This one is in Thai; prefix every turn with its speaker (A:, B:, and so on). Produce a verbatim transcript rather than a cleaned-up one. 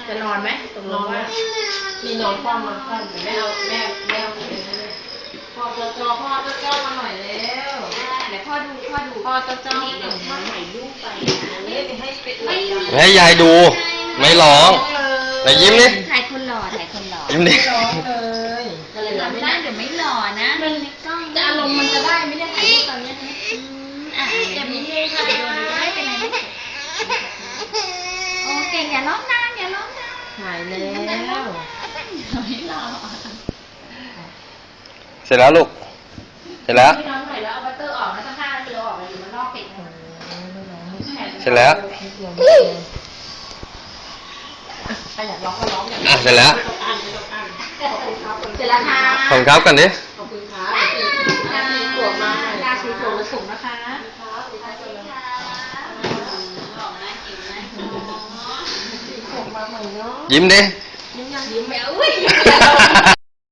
A: จะนอนไหมตกลงว่ามีนอนคว่ำมาคว่ำแต่แม่เอาแม่แม่เอาไปเลยพ่อจอจอพ่อจอจอมาหน่อยแล้ว
B: เดี๋ยวพ่อดูพ่อดู
A: พ่อจอจอ
B: เดี๋ยวพ่อถ่ายรูปไป
A: ไม่ให้ไปอวด
C: ให้ยายดูไม่ร้องไหนยิ้มนี่
B: ถ่ายคนหล่อถ่ายคนหล่อ
C: ยิ้มดิ
A: ร้องเลยก็เลย
B: หล่อ
A: ไม่
B: ไม่
A: ได้
B: ได้เดี๋ยวไม่หล่อนะมันในกล้อง
A: จะอารมณ์มันจะได้ไม่ได้ถ่ายรูปตอนนี้นะ
B: อ่ะเดี๋ยวนี้เลยค่ะเดี๋ยวไม่เป็นไรไม่โอเคอย่าร้องนานอย่าร้องนาน
A: ถ่ายแล้ว
B: ไม่หล่อ
C: เสร็จแล้วลูกเสร็จแล้ว
A: ไม่ร้องหน่อยแล้วเอาบัตเตอร์ออกนะสักห้านาทีออกเลยอยู่มันนอกปิด
C: เสร็จแล้ว
A: ใครอยากร้องก็ร้องอย่าง
C: อ่ะเสร็จแล้ว
A: เสร็จแล้วค่ะ
C: ขอบคุณครับกันดิ
A: ขอบคุณค่ะราศีสวงมาราศีสวงและสูงนะคะ
B: หล่อนะจริงนะ
A: สวงมาใหม่เนาะ
C: ยิ้มดิ
A: ยิ้มยังยิ้ม
B: เดี๋ยวอุ้ย
A: เรา